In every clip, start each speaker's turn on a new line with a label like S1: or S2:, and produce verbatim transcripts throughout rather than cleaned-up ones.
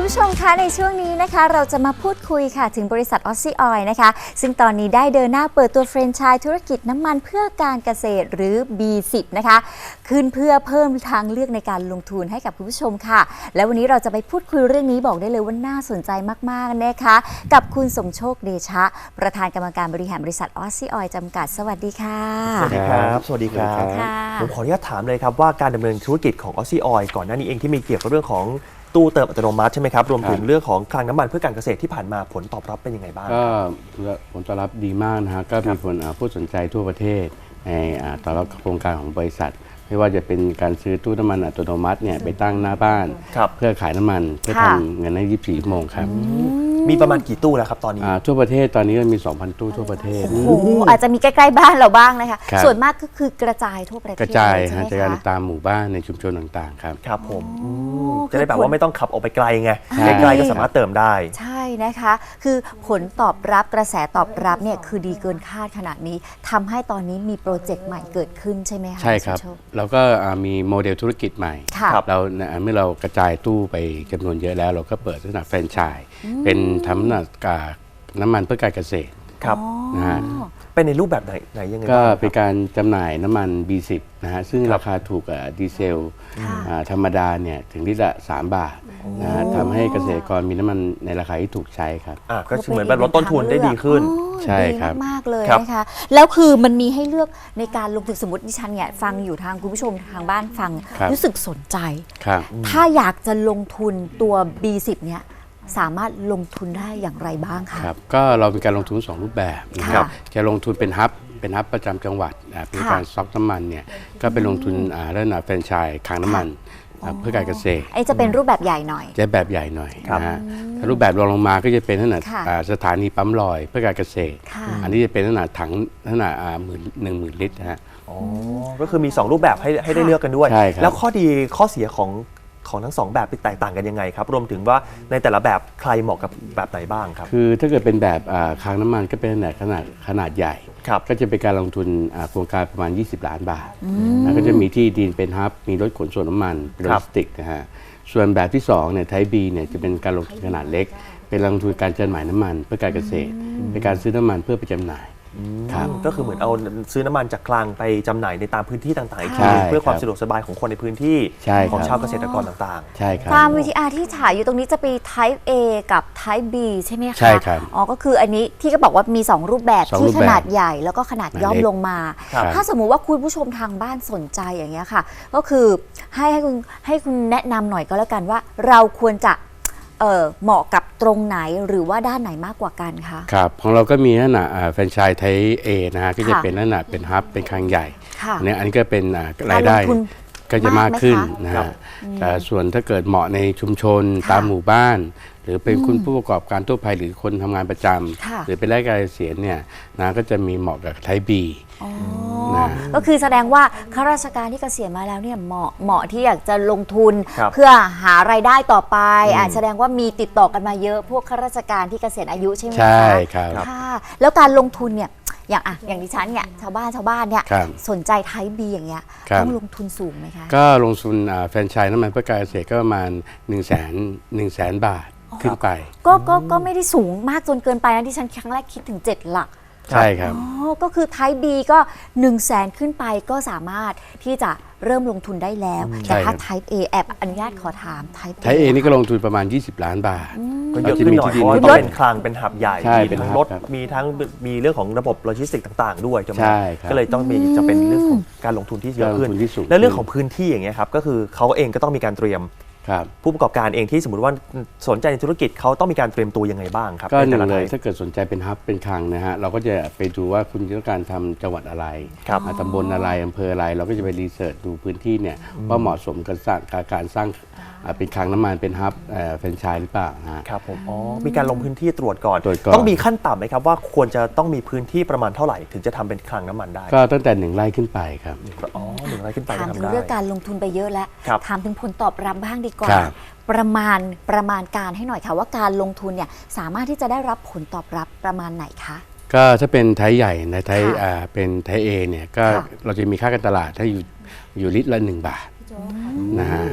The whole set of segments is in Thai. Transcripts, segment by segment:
S1: ผู้ชมคะในช่วงนี้นะคะเราจะมาพูดคุยค่ะถึงบริษัท Aussie Oil นะคะซึ่งตอนนี้ได้เดินหน้าเปิดตัวแฟรนไชส์ธุรกิจน้ำมันเพื่อการเกษตรหรือ บี สิบ นะคะขึ้นเพื่อเพิ่มทางเลือกในการลงทุนให้กับคุณผู้ชมค่ะและวันนี้เราจะไปพูดคุยเรื่องนี้บอกได้เลยว่าน่าสนใจมากๆนะคะกับคุณสมโชคเดชะประธานกรรมการบริหารบริษัท Aussie Oil จำกัดสวัสดีค่ะ
S2: สวัสดีครับสวัสดีครับผมขออนุญาตถามเลยครับว่าการดำเนินธุรกิจของ Aussie Oil ก่อนหน้านี้เองที่มีเกี่ยวกับเรื่องของตู้เติมอัตโนมัติใช่ไหมครับรวมถึงเรื่องของคลังน้ำมันเพื่อการเกษตรที่ผ่านมาผลตอบรับเป็นยังไงบ้าง
S3: ก็ผลตอบรับดีมากนะฮะก็มีคนผู้สนใจทั่วประเทศในต่อรับโครงการของบริษัทไม่ว่าจะเป็นการซื้อตู้น้ำมันอัตโนมัติเนี่ยไปตั้งหน้าบ้านเพื่อขายน้ำมันเพื่อทำเงินในยี่สิบสี่ชั่วโมงครับ
S2: มีประมาณกี่ตู้แล้วครับตอนนี้
S3: ทั่วประเทศตอนนี้มี สองพัน ตู้ทั่วประเทศ
S1: โอ้โหอาจจะมีใกล้ๆบ้านเราบ้างนะคะส่วนมากก็คือกระจายทั่วประเทศ
S3: กระจายกระจายตามหมู่บ้านในชุมชนต่างๆครับ
S2: ครับผมจะได้แบบว่าไม่ต้องขับออกไปไกลไงไกลก็สามารถเติมได้
S1: ใช่นะคะคือผลตอบรับกระแสตอบรับเนี่ยคือดีเกินคาดขนาดนี้ทำให้ตอนนี้มีโปรเจกต์ใหม่เกิดขึ้นใช่ไหมคะ
S3: ใช่ครับเราก็มีโมเดลธุรกิจใหม่เราเมื่อเรากระจายตู้ไปจำนวนเยอะแล้วเราก็เปิดลักษณะแฟรนไชส์เป็นทำน้ำมันเพื่อการเกษตร
S2: ครับนะฮะเป็นในรูปแบบไหนไหนยังไง
S3: ก็เป็นการจำหน่ายน้ำมัน บี สิบ นะฮะซึ่งราคาถูกกว่าดีเซลธรรมดาเนี่ยถึงลิตรละสามบาทนะฮะทำให้เกษตรกรมีน้ำมันในราคาที่ถูกใช้ครับ
S2: ก็เหมือนแบบลดต้นทุนได้ดีขึ้น
S3: ใช่ครับ
S1: มากเลยนะคะแล้วคือมันมีให้เลือกในการลงทุนสมมติดิฉันเนี่ยฟังอยู่ทางคุณผู้ชมทางบ้านฟังรู้สึกสนใจถ้าอยากจะลงทุนตัว บี สิบ เนี่ยสามารถลงทุนได้อย่างไรบ้างคะ
S3: ครับก็เรามีการลงทุนสองรูปแบบนะครับจะลงทุนเป็นฮับเป็นฮับประจำจังหวัดเป็นการซ็อกน้ำมันเนี่ยก็เป็นลงทุนระดับแฟรนไชส์คลังน้ำมันเพื่อการเกษตร
S1: ไอ้จะเป็นรูปแบบใหญ่หน่อย
S3: จะแบบใหญ่หน่อยนะฮะรูปแบบรองลงมาก็จะเป็นขนาดสถานีปั๊มลอยเพื่อการเกษตรอันนี้จะเป็นขนาดถังขนาดหมื่นหนึ่งหมื่นลิตรนะฮะ
S2: อ๋อก็คือมีสองรูปแบบให้ให้ได้เลือกกันด้วยแล้วข้อดีข้อเสียของของทั้งสองแบบแตกต่างกันยังไงครับรวมถึงว่าในแต่ละแบบใครเหมาะกับแบบไหนบ้างครับ
S3: คือถ้าเกิดเป็นแบบคลังน้ำมันก็เป็นขนาดขนาดขนาดใหญ่ก็จะเป็นการลงทุนโครงการประมาณยี่สิบล้านบาทแล้วก็จะมีที่ดินเป็นฮับมีรถขนส่งน้ำมันเป็นโลจิสติกนะฮะส่วนแบบที่สองเนี่ยไทป์ บี เนี่ยจะเป็นการลงทุนขนาดเล็กเป็นลงทุนการจำหน่ายน้ำมันเพื่อการเกษตรเป็นการซื้อน้ำมันเพื่อไปจำหน่าย
S2: ก็คือเหมือนเอาซื้อน้ำมันจากคลังไปจำหน่ายในตามพื้นที่ต่างๆอีกทีเพื่อความสะดวกสบายของคนในพื้นที่ของชาวเกษตรกรต่าง
S3: ๆใช่ครับ
S1: ตาม วี ที อาร์ ที่ฉายอยู่ตรงนี้จะมี Type A กับ Type B ใช่ไหมคะ
S3: ใช่ครับ
S1: อ๋อก็คืออันนี้ที่ก็บอกว่ามีสองรูปแบบที่ขนาดใหญ่แล้วก็ขนาดย่อมลงมาถ้าสมมุติว่าคุณผู้ชมทางบ้านสนใจอย่างเงี้ยค่ะก็คือให้ให้คุณให้คุณแนะนำหน่อยก็แล้วกันว่าเราควรจะเอ่อเหมาะกับตรงไหนหรือว่าด้านไหนมากกว่ากันคะ
S3: ครับของเราก็มีลักษณะแฟรนไชส์ไทป์ A นะฮะก็จะเป็นลักษณะเป็นฮับเป็นคลังใหญ่เนี่ยอันนี้ก็เป็นรายได้ก็จะมากขึ้นนะฮะแต่ส่วนถ้าเกิดเหมาะในชุมชนตามหมู่บ้านหรือเป็นคุณผู้ประกอบการทั่วไปหรือคนทำงานประจำหรือเป็นรายการเกษียณเนี่ยนะก็จะมีเหมาะกับไทป์ B
S1: ก็คือแสดงว่าข้าราชการที่เกษียณมาแล้วเนี่ยเหมาะเหมาะที่อยากจะลงทุนเพื่อหารายได้ต่อไปอาจแสดงว่ามีติดต่อกันมาเยอะพวกข้าราชการที่เกษียณอายุใช่ไหมคะ
S3: ใช่ครับ
S1: แล้วการลงทุนเนี่ยอย่างอ่ะอย่างดิฉันเนี่ยชาวบ้านชาวบ้านเนี่ยสนใจไทป์ บี อย่างเงี้ยต้องลงทุนสูงไหมคะ
S3: ก็ลงทุนแฟรนไชส์น้ำมันเพื่อการเกษตรก็ประมาณหนึ่งแสนหนึ่งแสนบาทขึ้นไป
S1: ก็ก็ก็ไม่ได้สูงมากจนเกินไปนะที่ฉันครั้งแรกคิดถึงเจ็ดหลัก
S3: ใช่ครับ
S1: อ๋อก็คือ Type B ก็หนึ่งแสนขึ้นไปก็สามารถที่จะเริ่มลงทุนได้แล้วแต่ถ้า Type A แอบอนุญาตขอถาม
S3: Type A นี่ก็ลงทุนประมาณยี่สิบล้านบาท
S2: ก็เยอะขึ้นหน่อยเพราะว่าต้องเป็นคลังเป็นหับใหญ่มีทั้งรถมีทั้งมีเรื่องของระบบโลจิสติกต่างๆด้วย
S3: ใช่
S2: ก็เลยต้องมีจะเป็นเรื่องของการลงทุนที่เยอะขึ้นและเรื่องของพื้นที่อย่างเงี้ยครับก็คือเขาเองก็ต้องมีการเตรียมผู้ประกอบการเองที่สมมติว่าสนใจในธุรกิจเขาต้องมีการเตรียมตัวยังไงบ้างครับ
S3: ก็หนึ่งเลยถ้าเกิดสนใจเป็นฮับเป็นคลังนะฮะเราก็จะไปดูว่าคุณต้องการทำจังหวัดอะไรตำบลอะไรอำเภออะไรเราก็จะไปรีเสิร์ชดูพื้นที่เนี่ยว่าเหมาะสมกับการสร้างเป็นคลังน้ำมันเป็นฮับแฟรนไชส์หรือเปล่า
S2: ครับผมอ๋อมีการลงพื้นที่ตรวจก่อนต้องมีขั้นต่ำไหมครับว่าควรจะต้องมีพื้นที่ประมาณเท่าไหร่ถึงจะทำเป็นคลังน้ำมันได้
S3: ก็ตั้งแต่หนึ่งไร่ขึ้นไปครับ
S2: อ๋อหนึ่งไร่ขึ้นไป
S1: ถามถึงเรื่องการลงทุนไปเยอะแล้วถามถึงผลตอบรับบ้างดีกว่า
S3: ประ
S1: มาณประมาณการให้หน่อยค่ะว่าการลงทุนเนี่ยสามารถที่จะได้รับผลตอบรับประมาณไหนคะ
S3: ก็ถ้าเป็นไทป์ใหญ่ในไทป์เป็นไทป์ A เนี่ยก็เราจะมีค่าการตลาดถ้าอยู่อยู่ลิตรละหนึ่งบาทนะฮะ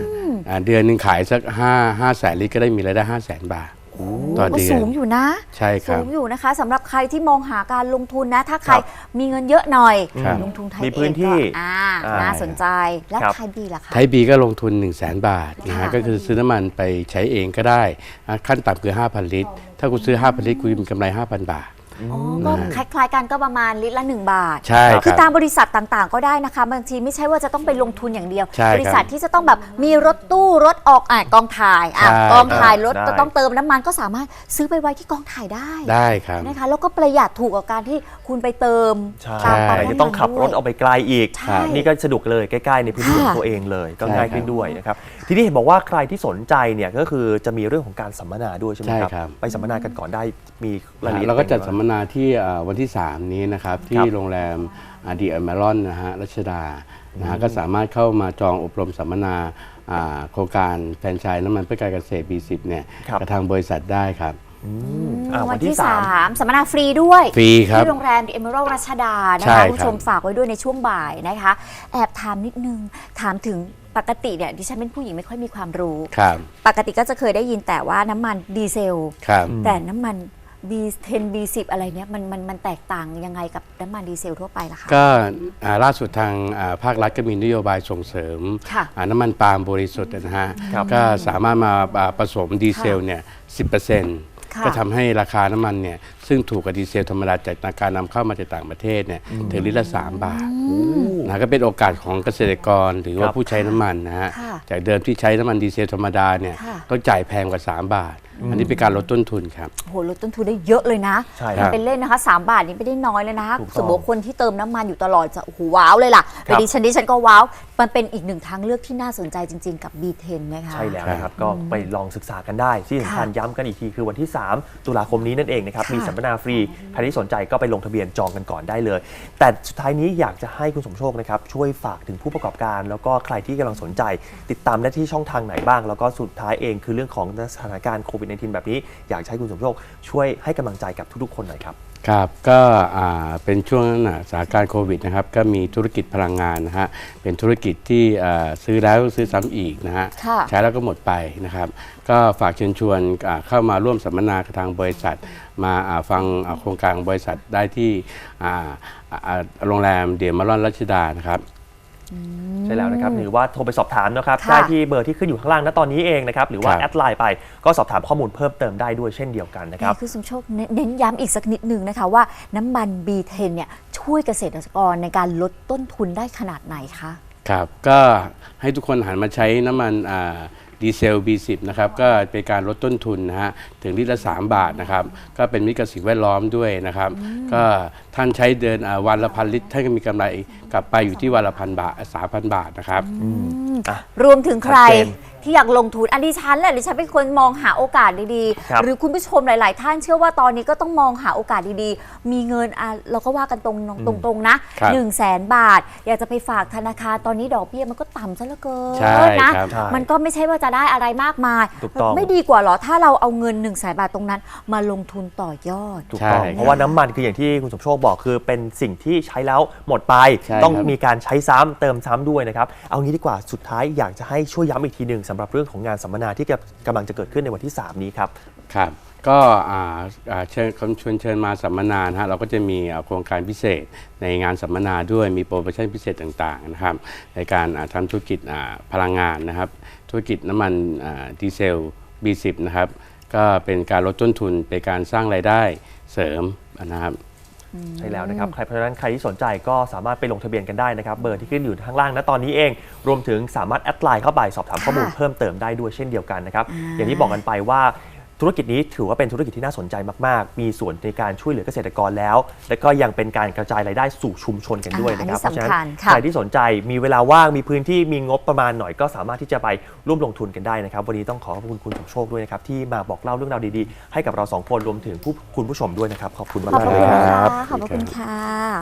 S3: อ่าเดือนหนึ่งขายสักห้าห้าแสนลิตรก็ได้มีรายได้ห้าแสนบาทต่อ
S1: ก็
S3: เดือน
S1: สูงอยู่นะ
S3: ใช่ครั
S1: สู
S3: บ
S1: งอยู่นะคะสำหรับใครที่มองหาการลงทุนนะ ถ้าใคร
S2: ครับ
S1: มีเงินเยอะหน่อย
S3: ครับ
S1: ลงทุนไทย
S2: มี
S1: เอ
S2: พื้น
S1: ง
S2: ที่
S1: ก็อ่า
S2: อ่า
S1: น่าสนใจแล้ว
S2: ครับ
S1: ไทยบีล่ะคะ
S3: ไทยบีก็ลงทุน 1 0 0 0 0แสนบาทนะฮะ
S1: ค่ะ
S3: ก็คือซื้อน้ำมันไปใช้เองก็ได้อ่ะขั้นต่ำคือ ห้าพัน ลิตร ถ้าคุณซื้อ ห้าพัน ลิตรคุณมีกำไร ห้าพัน บาท
S1: อ๋อก็คล้ายๆกันก็ประมาณลิตรละหนึ่งบาท
S3: ใช่ครับ
S1: คือตามบริษัทต่างๆ ก็ได้นะคะบางทีไม่ใช่ว่าจะต้องไปลงทุนอย่างเดียว
S3: ใช่ครับ
S1: บริษัทที่จะต้องแบบมีรถตู้รถออกอ่ะกองถ่ายอ่ะ
S3: ใช่
S1: กองถ่ายรถ
S2: ได้
S1: จะต้องเติมน้ำมันก็สามารถซื้อไปไว้ที่กองถ่ายได้
S3: ได้ครับ
S1: นะคะแล้วก็ประหยัดถูกกว่าการที่คุณไปเติม
S2: ใช่
S1: ตามปั๊ม
S2: แต่
S1: น้ำมัน
S2: จะต้องขับรถ
S1: ด้วย
S2: เอาไปไกลอีก
S1: ใช่
S2: นี่ก็สะดวกเลยใกล้ๆในพื้นที่
S1: ค่ะ
S2: ของตัวเองเลยก็
S3: ใช่
S2: ง่ายขึ้นด้วยนะครับทีนี้เห็นบอกว่าใครที่สนใจเนี่ยก็คือจะมีเรื่องของการสัมมนาด้วยใช่ไหมครับ
S3: ใช่ครับ
S2: ไปสัมมนากันก่อนได้มีรายละเอียด
S3: เราก็จัด
S2: เป็นไงบ้าง
S3: สัมมนาที่เอ่อวันที่ สาม นี้นะครับ ที่
S2: ครับ
S3: โรงแรมดีเอเมรอนนะฮะรัชดานะฮะก็สามารถเข้ามาจองอบรมสัมมนาอ่าโครงการแฟรนไชส์น้ำมันเพื่อการเกษตร บี สิบ เนี่ย
S2: ครับ
S3: กับทางบริษัทได้ครับ
S2: อ่า
S1: วั
S2: วัน น
S1: ที่
S2: ที่สาม
S1: สามสัมมนาฟรีด้วย
S3: ฟรีครับ
S1: ที่โรงแรม The Emerald รัชดานะ
S3: ใช่
S1: คะ
S3: ครับ
S1: คุณผู้ชมฝากไว้ด้วยในช่วงบ่ายนะคะ แอบถามนิดนึง ถามถึงปกติเนี่ยดิฉันเป็นผู้หญิงไม่ค่อยมีความรู้
S3: ครับ
S1: ปกติก็จะเคยได้ยินแต่ว่าน้ำมันดีเซล
S3: ครับ
S1: แต่น้ำมัน บี เท็น บี สิบ อะไรเนี้ยมันมันมันแตกต่างยังไงกับน้ำมันดีเซลทั่วไปล่ะคะ
S3: ก็อ่าล่าสุดทางอ่าภาครัฐก็มีนโยบายส่งเสริม
S1: ค่ะ
S3: อ่าน้ำมันปาล์มบริสุทธิ์นะฮะ
S2: ครับ
S3: ก็สามารถมาอ่าผสมดีเซลเนี่ย สิบเปอร์เซ็นต์
S1: ค่ะ
S3: ก็ทำให้ราคาน้ำมันเนี่ยซึ่งถูกกว่าดีเซลธรรมดาจากการนำเข้ามาจากต่างประเทศเนี่ยถึงลิตรละสามบาทนะก็เป็นโอกาสของเกษตรกรหรือว่า
S2: ครับ
S3: ผู้ใช้น้ำมันนะฮะ
S1: ค่ะ
S3: จากเดิมที่ใช้น้ำมันดีเซลธรรมดาเนี่ย
S1: ค่ะ
S3: ต้องจ่ายแพงกว่าสามบาท อันนี้เป็นการลดต้นทุนครับ
S1: โหลดต้นทุนได้เยอะเลยนะ
S2: ใช่
S3: ครั
S1: มัน
S3: บ
S1: เป็นเล่นนะคะสามบาทนี่ไม่ได้น้อยเลยนะคะ
S2: ถูกต้อง
S1: สมมติว่าคนที่เติมน้ำมันอยู่ตลอดจะโอ้โหว้าวเลยล่ะ
S2: ครั
S1: แต่
S2: บ
S1: ดิฉันดิฉันก็ว้าวมันเป็นอีกหนึ่งทางเลือกที่น่าสนใจจริง ๆ กับ บี เท็น นะคะ
S2: ใช่แล้วนะครับ ก็ไปลองศึกษากันได้ ที่สำคัญ
S1: ค่ะ
S2: ย้ำกันอีกทีคือวันที่ สาม ตุลาคมนี้นั่นเองนะครับ
S1: ค่ะ
S2: มีสัมมนาฟรี ใครที่สนใจก็ไปลงทะเบียนจองกันก่อนได้เลย แต่สุดท้ายนี้อยากจะให้คุณสมโชคนะครับ ช่วยฝากถึงผู้ประกอบการ แล้วก็ใครที่กำลังสนใจ ติดตามได้ที่ช่องทางไหนบ้าง แล้วก็สุดท้ายเองคือเรื่องของสถานการณ์โควิด สิบเก้า แบบนี้ อยากจะให้คุณสมโชคช่วยให้กำลังใจกับทุกๆ คนหน่อยครับ
S3: ครับก็อ่าเป็นช่วงนั้นนะสถานการณ์โควิดนะครับก็มีธุรกิจพลังงานนะฮะเป็นธุรกิจที่อ่าซื้อแล้วซื้อซ้ำอีกนะฮะ
S1: ค่ะ
S3: ใช้แล้วก็หมดไปนะครับก็ฝากเชิญชวนอ่าเข้ามาร่วมสัมมนากับทางบริษัท มาอ่าฟังอ่าโครงการของบริษัทได้ที่อ่าอ่าโรงแรมเดียมารอนรัชดานะครับ
S2: ใช่แล้วนะครับหรือว่าโทรไปสอบถามนะครับ
S1: ค่ะ
S2: ได้ที่เบอร์ที่ขึ้นอยู่ข้างล่างณตอนนี้เองนะครับหรือว่า
S3: ครับ
S2: แอดไลน์ไปก็สอบถามข้อมูลเพิ่มเติมได้ด้วยเช่นเดียวกันนะครับ
S1: นี่คือสมโชคเน้นเน้นย้ำอีกสักนิดหนึ่งนะคะว่าน้ำมัน บี เท็น เนี่ยช่วยเกษตรกรในการลดต้นทุนได้ขนาดไหนคะ
S3: ครับก็ให้ทุกคนหันมาใช้น้ำมันอ่าดีเซล บี สิบ นะครับก็เป็นการลดต้นทุนนะฮะถึงลิตรละสามบาทนะครับก็เป็นมิตรกับสิ่งแวดล้อมด้วยนะครับก็ท่านใช้เดินอ่าวันละพันลิตรท่านก็มีกำไรกลับไปอยู่ที่วันละพันบาทสามพันบาทนะครับ
S2: อ่ะ
S1: รวมถึงใคร
S2: ชัดเจน
S1: ที่อยากลงทุนอันดิฉันแหละดิฉันเป็นคนมองหาโอกาสดี
S2: ครับ
S1: ๆ หรือคุณผู้ชมหลาย ๆ ท่านเชื่อว่าตอนนี้ก็ต้องมองหาโอกาสดีๆ มีเงินอ่ะเราก็ว่ากันตรงตรงๆนะครับ หนึ่งแสนบาท อยากจะไปฝากธนาคารตอนนี้ดอกเบี้ยมันก็ต่ำซะเหลือเกิน
S3: ใช่
S1: นะครับ
S2: ใช่
S1: มันก็ไม่ใช่ว่าจะได้อะไรมากมาย
S2: ถูกต้อง
S1: ไม่ดีกว่าเหรอถ้าเราเอาเงิน1นึ่งแสนบาทตรงนั้น มาลงทุนต่อยอด
S2: ถูกต้อง
S3: ใช่
S2: เพราะว่าน้ำมันคืออย่างที่คุณสมโชคบอกคือเป็นสิ่งที่ใช้แล้วหมดไป
S3: ใช่
S2: ต้อง
S3: ครับ
S2: มีการใช้ซ้ำเติมซ้ำด้วยนะครับเอางี้ดีกว่าสุดท้ายอยากจะให้ช่วยย้ำอีกทีหนึ่งสำหรับเรื่องของงานสัมมนาที่กำลังจะเกิดขึ้นในวันที่ สาม นี้ครับ
S3: ครับก็อ่าอ่าเชิญชวนเชิญมาสัมมนานะฮะเราก็จะมีอ่าโครงการพิเศษในงานสัมมนาด้วยมีโปรโมชั่นพิเศษต่างๆนะครับในการอ่าทำธุรกิจอ่าพลังงานนะครับธุรกิจน้ำมันอ่าดีเซล บี สิบ นะครับก็เป็นการลดต้นทุนเป็นการสร้างรายได้เสริมนะครับ
S2: ใช่แล้วนะครับใครเพราะฉะนั้นใครที่สนใจก็สามารถไปลงทะเบียนกันได้นะครับเบอร์ที่ขึ้นอยู่ข้างล่างณตอนนี้เอง รวมถึงสามารถแอดไลน์เข้าไปสอบถามข้อมูล
S1: ค่ะ
S2: เพิ่มเติมได้ด้วยเช่นเดียวกันนะครับ
S1: อ่า
S2: อย่างที่บอกกันไปว่าธุรกิจนี้ถือว่าเป็นธุรกิจที่น่าสนใจมากๆ มีส่วนในการช่วยเหลือเกษตรกรแล้ว และก็ยังเป็นการกระจายรายได้สู่ชุมชนกันด้วยนะครับ
S1: อ่าอันนี้
S2: เพราะฉะนั้น
S1: สำคัญค่ะ
S2: ใครที่สนใจมีเวลาว่างมีพื้นที่มีงบประมาณหน่อยก็สามารถที่จะไปร่วมลงทุนกันได้นะครับวันนี้ต้องขอขอบคุณคุณสมโชคด้วยนะครับที่มาบอกเล่าเรื่องราวดีๆให้กับเราสองคนรวมถึงผู้คุณผู้ชมด้วยนะครับขอบคุณ
S1: ขอบ
S2: มากๆ
S1: พระ
S2: เลย
S1: คุณ
S2: ครับ
S1: ค่ะขอบพระคุณค่ะ